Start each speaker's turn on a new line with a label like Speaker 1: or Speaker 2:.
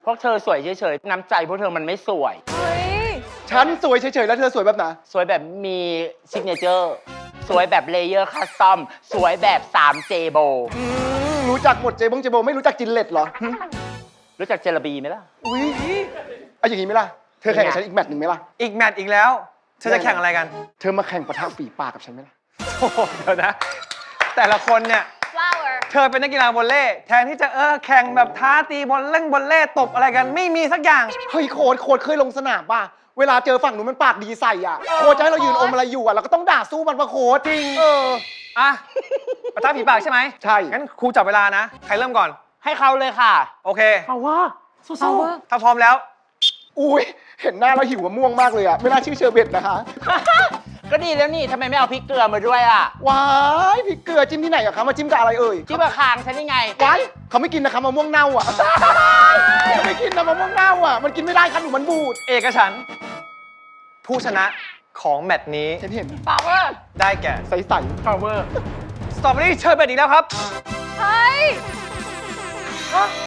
Speaker 1: พวกเธอสวยเฉยๆน้ำใจพวกเธอมันไม่สวย
Speaker 2: เฮ้ย
Speaker 3: ฉันสวยเฉยๆแล้วเธอสวยแบบไหน
Speaker 1: สวยแบบมีซิกเนเจอร์สวยแบบเลเยอร์คัสตอมสวยแบบ 3J โบ
Speaker 3: รู้จักหมดเจโบไม่รู้จักจินเล็ตเหรอ
Speaker 1: รู้จักเจลาบีไหมล่ะ
Speaker 3: อุ้ยเอาอย่างนี้ไหมล่ะเธอแข่งกับฉันอีกแมตช์หนึ่งไหมล่ะ
Speaker 4: อีกแมตช์อีกแล้วเธอจะแข่งอะไรกัน
Speaker 3: เธอมาแข่งปะทะฝีปากกับฉันไหมล่ะ
Speaker 4: โอ้โหเดี๋ยวนะ แต่ละคนเนี่ย
Speaker 2: flower
Speaker 4: เธอเป็นนักกีฬาวอลเลย์แทนที่จะแข่งแบบท้าตีบอลเล่นบอลเล่ตบอะไรกันไม่มีสักอย่าง
Speaker 3: เฮ้ยโค้ชเคยลงสนามป่ะเวลาเจอฝั่งนู้นมันปากดีใส่อ่ะโค้ชจะให้เรายืนอมอะไรอยู่อ่ะเราก็ต้องด่าสู้มันปะโค้ชจริง
Speaker 4: อ่ะปะทะผีปากใช่ไหม
Speaker 3: ใช่
Speaker 4: งั้นครูจับเวลานะ ใครเริ่มก่อน
Speaker 1: ให้เขาเลยค่ะ
Speaker 4: โอเค
Speaker 1: เอาว่าสู้
Speaker 2: power
Speaker 4: ถ้าพร้อมแล้ว
Speaker 3: อุ้ยเห็นหน้าแล้วหิวมะม่วงมากเลยอ่ะไม่น่าชื่อเชอร์เบตนะคะ
Speaker 1: ก็ดีแล้วนี่ทำไมไม่เอาพริกเกลือมาด้วยอ่ะ
Speaker 3: ว้ายพริกเกลือจิ้มที่ไหนอะคะมาจิ้มกับอะไรเอ่ย
Speaker 1: ที่มาคางฉันนี่ไง
Speaker 3: ว้ายเขาไม่กินนะคะมะม่วงเน่าอ่ะ เขาไม่กินนะมะม่วงเน่าอ่ะมันกินไม่ได้ค่ะหนูมันบูด
Speaker 4: เอกฉันท์ผู้ชนะของแมตช์นี้
Speaker 3: เห็น
Speaker 1: power
Speaker 4: ได้แก่
Speaker 3: ใส
Speaker 1: power
Speaker 4: สตรอเบอรี่เชอร์เบตอีกแล้วครับ
Speaker 2: เฮ้ย